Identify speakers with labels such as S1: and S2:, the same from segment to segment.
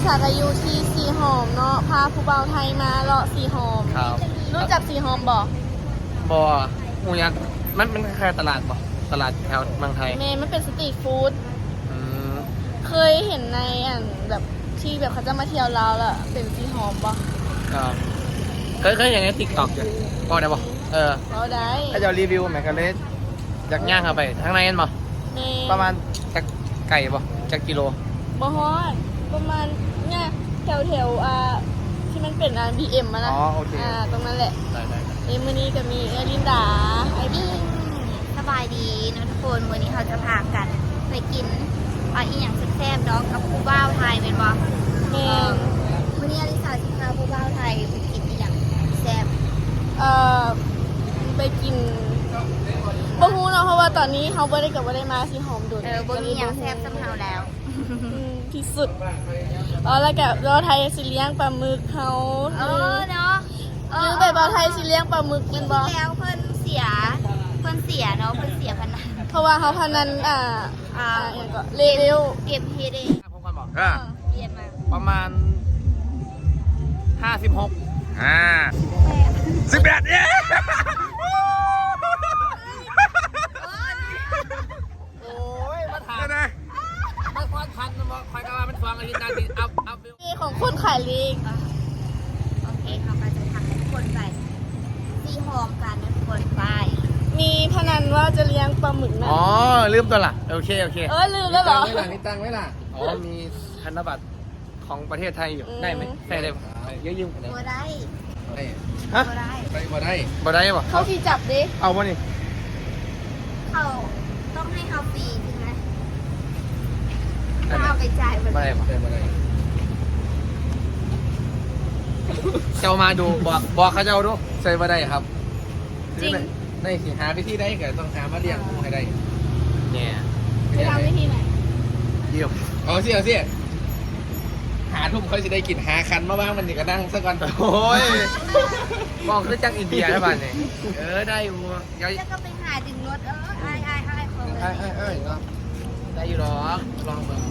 S1: สาก็อยู่ที่สีหอมเนาะพาผู้บ่าวไทยมาเลาะสีหอม
S2: ครับ
S1: รู้จักสีหอมบ่
S2: บ่หูยักษ์มันคล้ายๆตลาดบ่ตลาดแถวเมืองไทย
S1: เมย์มันเป็นสตรีทฟู้ด
S2: อืม
S1: เคยเห็นในแบบที่แบบเขาจะมาเที่ยวลาวแล้วเป็นสีหอมบ่
S2: ครับเคยอย่างใน TikTok อยู่บ่ได้บ่
S1: เราได้
S2: ถ้าจะรีวิวแมคคาเรสจากย่างเข้าไปทางในนั่นบ่
S1: เมย์
S2: ประมาณจากไก่บ่จากกิโล
S1: บ่ฮอดประมาณเนี่ยแถวที่มันเป็นBM อะนะ
S2: อ๋อโอเค
S1: ตรงนั้นแหละ
S2: ได้
S1: มื้อนี้ก็มีลินดาไอบี้
S3: สบายดีนะทุกคนวันนี้เขาจะพากันไปกินอีหยังแซ่บๆเนาะกับผู้บ่าวไทยเป็นบ่
S1: เมย์
S3: วันนี้อลิสาจะพาผู้บ่าวไทยไปกินอีหยังแซ่บ
S1: ไปกินบ่ฮู้เนาะเพราะว่าตอนนี้เขาบ่ได้มาสีหอมโดด
S3: บ่มีหยังแซ่บสำเฮาแล้ว
S1: ที่สุดแล้วก็เราไทยสิเลี้ยงปลาหมึกเขา
S3: เนาะ
S1: หรือแบบเราไทยสิเลี้ยงปลาหมึกเป็นบ่
S3: แล้วเพิ่นเสียเนาะเพิ่นเสียพนัน
S1: เพราะว่าเขาพนันอย่างก็เลเวล
S3: เก็บเฮ็ดเอง
S2: ผมก่อนบอก
S3: เรียนมา
S2: ประมาณ56 18เนี่ยโอ้ยมาถามนะมาควานคันมาคอยกันว่ามันฟังอะไรกินได้เอา
S1: นี่ของคนขายลีก
S3: โอเคเขาก็จะทำให้ทุกคนไปตีหอมกันนะทุกคนไป
S1: มีพนันว่าจะเลี้ยงปลาหมึกนะ
S2: อ๋อลืมตัวละโอเค
S1: ลืมแล้วเหรอ
S2: มีตังไว้ล่ะอ๋อมีธนบัตรของประเทศไทยอยู่ได้ไหมใช่ได้เยอะยืมกันได้
S3: บ่ได้
S2: ฮะ
S3: บ่ได้
S2: บ่ได้บ่
S1: เขาที่จับดิ
S2: เอาวะนี่
S3: เขาต้องให้เขาฟรีใช่ไหมถ้าเอาไปจ่ายมัน
S2: บ่ได้เจ้ามาดูบอกเขาเจ้าดูใส่บ่ได้ครับ
S1: จริง
S2: ในสิหาวิธีได้ก็ต้องหามาเลี้ยงให้ได้เนี่ย
S1: จะทำวิธีไหน
S2: เยี่ยมเอาสิหาทุ่มเขาจะได้กินหาคันมาบ้างมันนี่ก็นั่งสักก่อนโอ้ยมองคือจังอินเดียนะบ้านนี่ได้อยู่เดี๋ยว
S3: แล้วก็ไปหาดึงรถไอ้เขาเลย
S2: เนาะได้อยู่หรอกลองเบิ่ง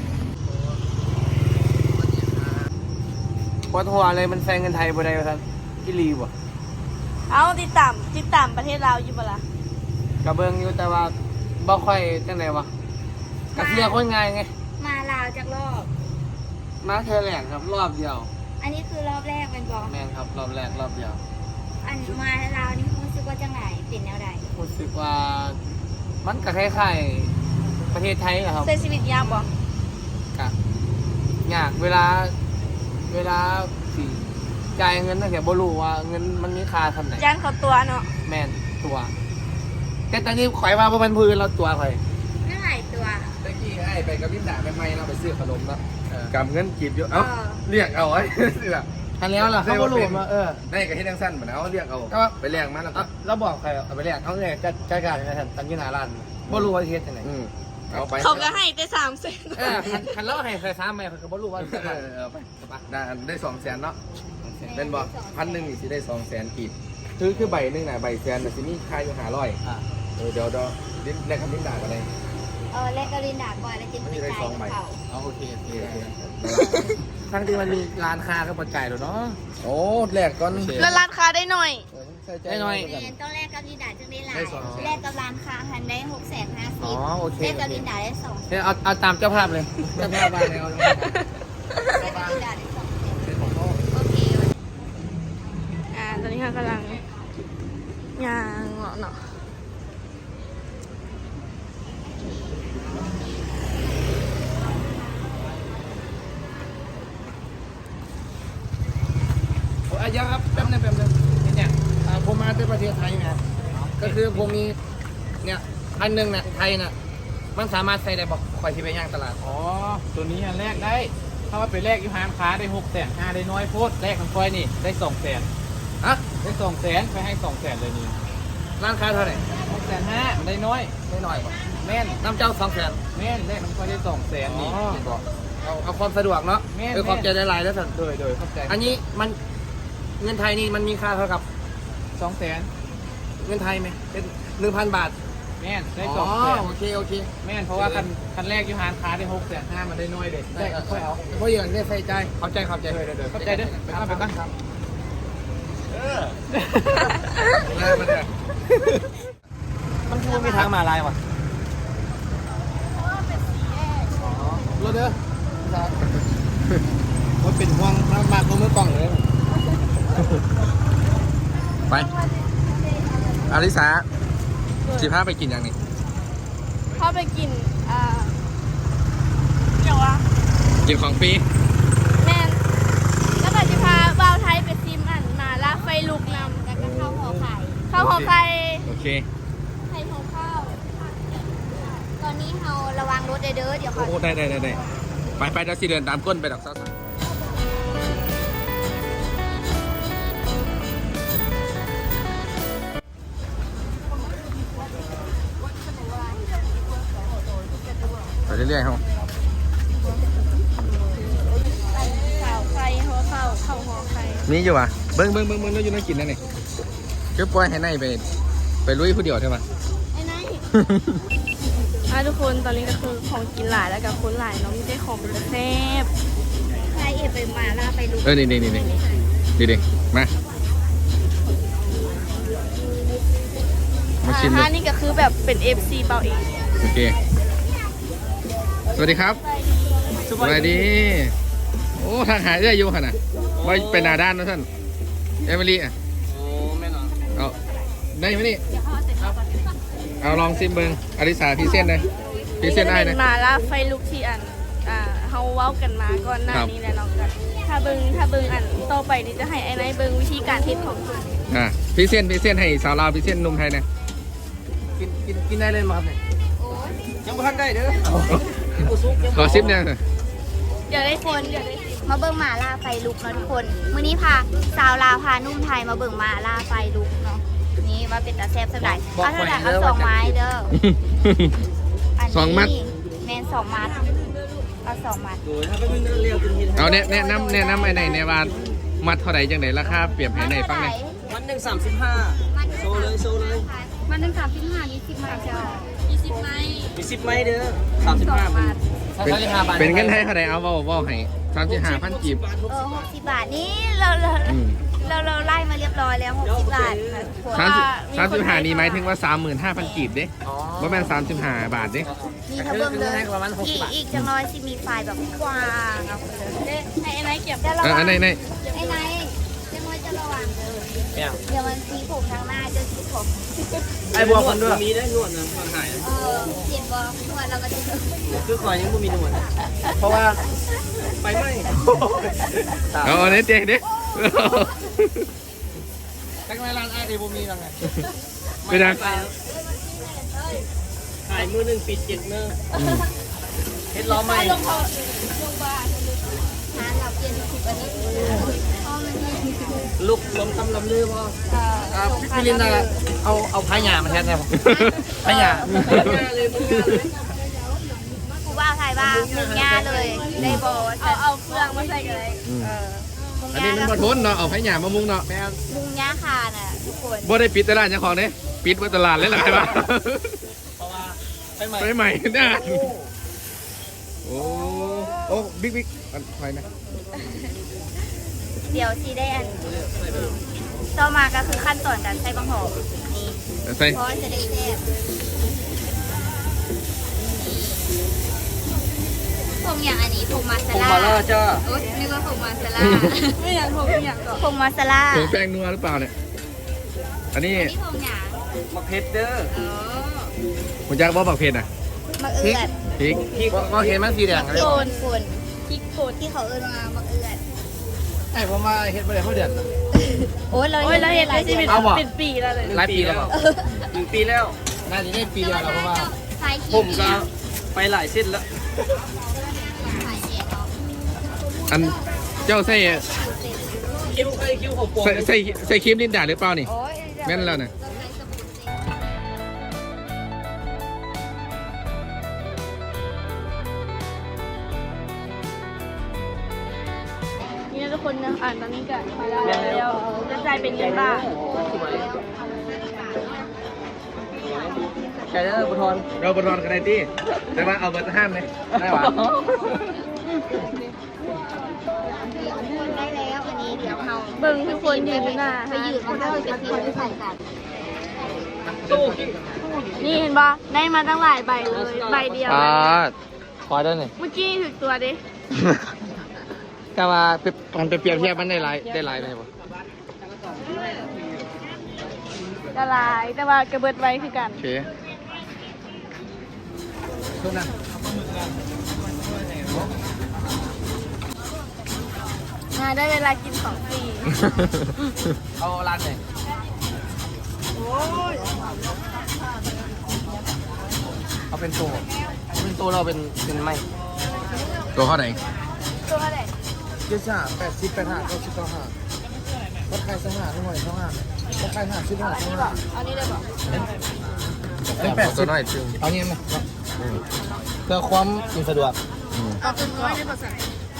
S2: ปวดหัวเลยมันแซงเงินไทยบ่ได้ท่านที่รีบ่
S1: เอาติดตามประเทศลาวอยู่ปะล่ะ
S2: กระเบื้องอยู่แต่ว่าบ่ค่อยจังไดวะกระเทียคนง่ายไง
S3: มาลาวจากรอบ
S2: มาเธอแหลกครับรอบเดียว
S3: อันนี้คือรอบแรกเป็นบอก
S2: แม่นครับรอบแรกรอบเดียว
S3: อันมาลาวนี่รู้สึกว่าจังไหนเป็นแนวใด
S2: รู้สึกว่ามันก็คล้ายๆประเทศไทยอะครับ
S1: ใช้ชีวิตยากบ่
S2: กะยากเวลาสิจ่ายเงินตั้งแต่บ่รู้ว่าเงินมันมีค่าทำไหน
S1: ย่านเขาตัวเนาะ
S2: แม่นตัวแต่ตอนนี้ข่อยว่าบ่เป็นพื้นเราตัวข่อย
S3: เท่าไหร่ตัว
S4: ตะกี้ไอ้ไปกับพิมด่าไปไม่เราไปซื้อขนมนะ
S2: เออ
S4: กำเงินกีบอยู่เอ้าเรียกเอาไอ้นี่แหละ
S2: ทันแล้วล่ะเขาบ่รู้มา
S4: ได้กับให้ดังสั้นเหมือนเอาเรียกเอา
S2: ก็ว่า
S4: ไปเรียกมาแล้วก็
S2: เราบอกใครเอาไปแลกเขาเลยจัดการยังไงท่านตั้งอยืนหน้าร้านบ่รู้ว่าเฮ็ดจังได๋
S4: เอาไป
S1: เขาก็ให้แต่300,000
S2: คันเราให้ใคร3ใหม่เพิ่นก็บ่รู้ว่าจะมา
S4: เอาไปได้200,000เนาะเป็นบอก1,000นี่สิได้200,000กีบคือใบหนึงน่ะใบแสนน่ะสิมีค่าอยู่500เดี๋ยวแลกคำพิมด่ากันเลย
S3: แลกกรินดาก่อนแล้วจึงไปจ่ายกับเขา
S2: เอาโอเคทั้งที่มันมีร้านค้าก็บ่จ่ายแล้วเนาะ
S4: โอ้แลกก่อน
S1: แล้วร้านค้าได้หน่อย
S2: ได้หน่อย
S3: เรียนต้องแลกกับลินดาจึงได้หลา
S4: ได้
S3: ย
S4: 200,000
S3: แลกกับร้านค้าหันได้650,000
S2: อ๋อโอเค
S3: แลกกับลินดาได้2
S2: เนี่ยเอาตามเจ้าภาพเลยเจ้าภาพมาเลยเอา
S3: แลกกับลินดาได้2โอเค
S1: ตอนนี้ค่ะกำลังย่างเนาะ
S2: อายุครับแป๊บนึงเนี่ยผมมาที่ประเทศไทยไงก็คือผมมีเนี่ยอันนึงเนี่ยไทยน่ะมันสามารถใส่ได้บอกคอยที่ไปย่างตลาด
S5: อ๋อ ตัวนี้แลกได้ ถ้าว่าไปแลกอยู่ห้างค้าได้600,000ได้น้อยโพดแลกของคอยนี่ได้200,000
S2: ฮะ
S5: ได้200,000ไปให้200,000เลยนี่
S2: ร้านค้าเท่าไหร่
S5: 650,000มันได้น้อย
S2: ไม่น้อยป่ะ
S5: แม่น
S2: น้ำเจ้า200,000
S5: แม่นแลกของคอยได้200,000นี่
S2: อ๋อ
S5: เห็นบอก
S2: เอาความสะดวกเนาะ
S5: แม่น
S2: ความใจได้หลายแล้วสัน
S5: โดยเข้าใจ
S2: อันนี้มันเงินไทยนี่มันมีค่าเท่ากับ
S5: 200,000
S2: เงินไทยไหมเป็น 1,000 บาท
S5: แม่นได้
S4: อ๋อ
S5: สองแสน
S4: โอเคโอเค
S5: แม่นเพราะว่าคันแรกอยู่หานค้าได้650,000มันได้น้อยเด็ดได้ค่อยเอา
S4: เพราะอย่างนี้ใส่ใจเข้าใจ
S5: เข้าใจเด้อไปตั้ง
S2: มันคือมีทางมาลายว่ะ
S4: รถเด้อมันเป็นห่วงมากกว่ามือกล้องเลย
S2: ไปอาริสาสิพาไปกินอย่างนี้
S1: เข้าไปกินเดี๋ยวว่า
S2: กินของฟรี
S1: แม่นแล้วก็จะพาบ่าวไทยไปซิมอันมาล่าไฟลุกนำ
S3: แล้วก็ข้าวห่อไข่
S1: ข้าวหอไข่
S2: โอเค
S1: ไข่ของข้าว
S3: ตอนนี้เราระวังรถเด้อเดี๋ยวขอ
S2: โอ้ได้ไปเดี๋ยวสิเดินตามก้นไปดอกซ้าไปเรื่อยๆครับ
S1: ข้าวไข่หัวข้าวข้าวหอไข่
S2: นี่อยู่วะเบิ้งแล้วอยู่นั่งกินนั่นนี่คือปล่อยให้ในไปลุยผู้เดียวใช่ปะ
S1: ไอ้นายทุกคนตอนนี้ก็คือของกินหลายแล้วกับคนหลายเนาะไม่ได้ของเป็นแซ่บ
S3: ใครเอ็ไปมาล่าไปลูก
S2: นี่ดีมาชิมดู
S1: นี่ก็คือแบบเป็น FC เบาเอง
S2: โอเคสวัสดีครับสวัสดีโอ้ทางหายได้อยู่ขนาดไว้เป็นหน้าด้านนะท่านเอมิลี่อ่ะ
S4: โอ้แม่นอน
S2: เอาได้ไหมนี่เอาลองซิมเบิงอริสาพี่เส้นเลยพี่เส้นได้นะ
S1: มาล่าไฟลุกที่อันเฮาเว้ากันมาก่อนหน้านี้แหละเนาะกันถ้าเบิ่งอันต่อไปนี่จะให้ไอ้นายเบิ่งวิธีการเฮ็ดของคุณ
S2: พี่เส้นให้สาวลาวพี่เส้นนมไทยนะ
S4: กินได้เลยมั้งครับเนี่ยยังไม่ทันได้เด้อ
S2: ขอซิมเนี่ย
S1: เดี๋ยวได้คนเดี๋ยวได้
S3: มาเบิ่งหมาล่าไฟลุกเนาะทุกคนมื้อนี้พาสาวลาวพานุ่มไทยมาเบิ่งหมาล่าไฟลุกเนาะนี่ว่าเป็นตาแซ่บสักหน่อยเอาเท่าไหร่เอา2 ไม้เด้ออันนี้
S2: สองมัด
S3: แมน2 มัดเอา2 มัด
S4: โอ้ยถ้าไม่เรียวกินที
S2: เอาแนะนำไอ้ไหนในว่ามัดเท่าไหร่จังไหนราคาเปรียบให้ในฟังหน่อย
S4: วันหนึ่ง35โซเลย
S3: มันถึง35 20 มัดเจ้า
S1: 20ไม้
S4: มี10ไม้เด้อ35
S1: บาท
S2: เป็นเงินไทยเท่าไหร่เอาเว้าให้35,000กีบ
S3: 60 บาทนี่เราไล่มาเรียบร้อยแล้ว60 บาทค่ะทุกคน
S2: 35นี่หมายถึงว่า 35,000กีบเด้บ่แม่น35 บาทเด้
S3: นี่ถ้าเบิ่งเลยอีกจังน้อยสิมีไฟแบบกว้างเอาไปเลย
S1: ให้ไอ้นายเก็บ
S3: แต่ระวัง
S2: อันไหน
S3: ไอ้นายจังน้อยจะระวังเดี๋ยวมันสีผมทางหน้าจะสีผม
S4: ไอ้บัวคนด้วยมีได้นวดนะมันหาย
S3: เปลี่ยนบอลวดเราก็จะ
S4: คือคอยยังไม่มีนวดเพราะว่าไฟไหม้
S2: เอาอันนี้เจ๊เด้
S4: ตั้งแต่ร้านไอ้เดบุมีแล้วไง
S2: ไปดัง
S4: ขายมือหนึ่งปิด7 มือเฮ็ดล้อใหม่
S3: ร้านเราเปลี่ยนทุกอาทิตย์
S4: ลูกลมตำลำลือพ่อพี่ลินน่ะเอาพายามาแทนได้ป่ะพายาเลย
S3: ครูบ้าไทยบ้างหนึ่งย่าเลยได้บอล
S1: เอาเครื่องมาใส่กันเลย
S2: อันนี้มันบ่ทนเนาะเอาไผหยามามุงเนาะ
S3: มุงย่าคาน่ะทุกคน
S2: บ่ได้ปิดตลาดเจ้าของเด้ปิดบ่ตลาดเลยล่ะใช่ป่ะ
S4: เพราะว่าไฟใหม่
S2: ไปใหม่นะโอ้บิ๊กอันไฟนะ
S3: เดี๋ยวชีได้อันต่อมาก็คือขั้นตอนการใส่บังหอมนี่
S2: ใส่
S3: เพราะจะได้แซ่บผงอย่างอันนี้ผงมาซา
S4: ผม
S3: ล่า
S4: มาแล้วจ้า
S3: โอ๊ยนึกว่าผงมาซาล่า
S1: ไม่อยากผมอยากก่อน
S3: ผงมาซาล่า
S2: ผงแป้งนัวหรือเปล่าเนี่ยอันนี้
S3: นี่ผงอย่าง
S4: มาเพชรเด้อ
S3: อ๋อ
S2: ผมอยากบอกบักเผ็ดอ่ะ
S3: มะเอือด
S2: พริก
S4: พี่ก็เห็นมันสีแดงอะไร
S3: โกนฝุ่น
S1: พริกโคตร
S3: ที่เขาเอิ้นมามะเอือด
S4: ไอ้ผมมาเฮ็ดมาได้เขาเดือน
S3: โอ้ยเรา
S1: โอ้ยเราเห็นได้ชีวิต
S4: เอาบ่
S1: เป็นปีแล้วเลย
S4: หลายปีแล้วเปล่า1 ปีแล้วน่าจะได้ปีเดียวแล้วเพราะว่า
S3: ใส่ขี้
S4: ผมก็ไปหลายเส้นแล้ว
S3: ใส่เย็นเนาะ
S2: อันเจ้าใส่
S4: คิ้วของปวง
S2: ใส่ครีมลินดาหรือเปล่านี่
S3: โอ้ย
S2: แม่นแล้วนะ
S3: เราใช้สบู่เซ็ต
S1: นี่นะทุกคนนะตอนนี้ก็มาแล้วจะจ่ายเป็นเงินบาท
S2: ใช่เด้อบุทอน
S4: เราบอลกันได้ที่แต่ว่าเอาเบอร์ห้ามเลยได้หวะ
S3: ได้แล้วอันนี้เดี๋ยวเรา
S1: เบิ่งทุกคนยืนอยู่หน้า
S3: ไปยืนมันก็เป็นที่ที่ใส่กัน
S1: นี่เห็นปะได้มาตั้งหลายใบเลยใบเดียว
S2: คอยด้วยนี่
S1: เมื่อกี้ถึกตัวดิ
S2: ก็มามันไปเปรียบเทียบมันได้หลายเลยป่ะ
S1: ละลายแต่ว่ากระเบิดไว้คือกัน
S2: โอเค
S1: มาได้เวลากินของฟรี
S2: เอาร้านไหนเอาเป็นตัวเราเป็นไม้ตัวเท่าไหร่
S1: ตัวอะไร
S4: เจ็ดห้า80 85 90 95วัดใครสหาหน่อยเท่าห้าวัดใคร50
S1: อันนี้บอกอันนี้ได้บอก
S4: ตัวน้อยจึง
S2: เอางี้ไหมเพื่อความสะดวก
S1: เอาเป็นน้อยได้ภาษา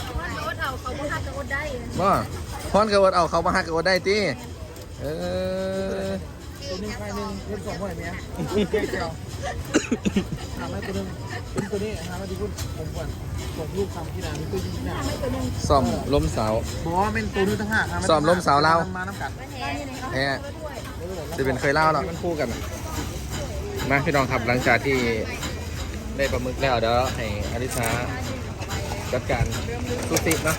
S4: ว่าพอนกระวดเอาเขามาหักกระวดได้ตีตัวนี้ใครหนึ่งเล่น2 หน่อยเมียเจ้าหาไม่ตัวนึงเป็นตัวนี้หามาดีคุณผมก่อนส่งลูกทำที่ร้านตัวยิงที่ไหนซ่อมล้มเสาบอกว่าเป็นตัวนู้นทั้งห้าซ่อมล้มเสาเรามาน้ำกัดแฮ่จะเป็นเคยเล่าหรอมันคู่กันมาพี่น้องครับหลังจากที่ได้ปลาหมึกแล้วเดี๋ยวให้อลิซาจัดการสุติเนาะ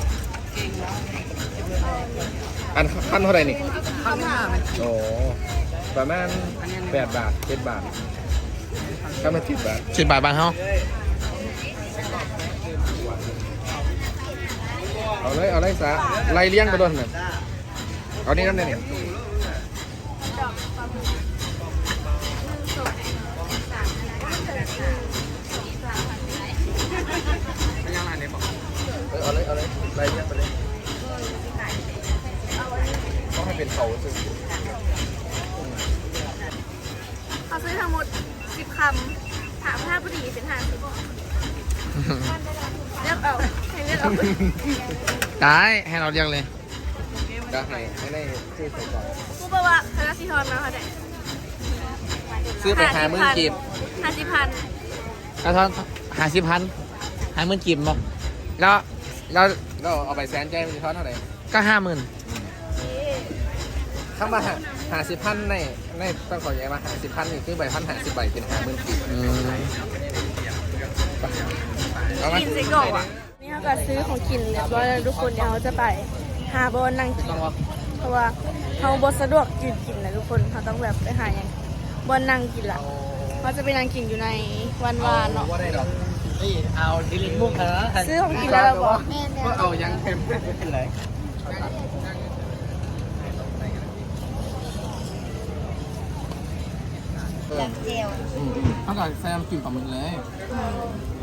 S4: อันขั้นเท่าไหร่นี่ขั้น5โอ้ประมาณ8 บาท7 บาทก็มา10 บาท
S2: 10 บาทบ้านเฮา
S4: เอาเลยซะไล่เลี้ยงไปด้วยหน่อยเอานี่น้ำเนี่ย เอาเลยไล่เลี้ยงไปเลยต้องให้เป็นเขาซึ่ง
S1: เขาซื้อทั้งหมด10 คำถามถ้าพอดีเป็น50เลือกเอาให้เลือกเอา
S2: ได้ให้เราเรียกเลย
S4: ได้ให้ได้ชื่อใส่ก่อน
S1: ผู้บอกว่าคณะสีทอนมาเขาได้
S4: ซื้อไป50,000 กีบ
S1: 50,000
S2: กระทอน50,000 50,000กีบบอกแล้ว
S4: เราเอาไปแสนใจมันจะทอดเท่าไหร่
S2: ก็50,000
S4: ถ้ามา50,000ในต้องขอแย้มา50,000นี่คือใบ1,050 ใบเป็น50,000 กีบเอาไหม
S1: กินสิก่อนอ่ะนี่เขาก็ซื้อของกินเรียบร้อยแล้วทุกคนเดี๋ยวเขาจะไปหาบอลนั่งกินเพราะว่าเขาบอสะดวกยืนกินนะทุกคนเขาต้องแบบไปหาอย่างบอลนั่งกินละเขาจะไปนั่งกินอยู่ในวันวานเนาะ
S4: ว่าได้หรอก
S2: นี่เอาดิลิมุกเหรอ
S1: ซื้อของกินแล้วเราบอก
S4: ก็เอายังเค็มเป็นไร
S3: จากเจล
S2: เขาก็แซมกินปลาหมึกเลย
S3: อ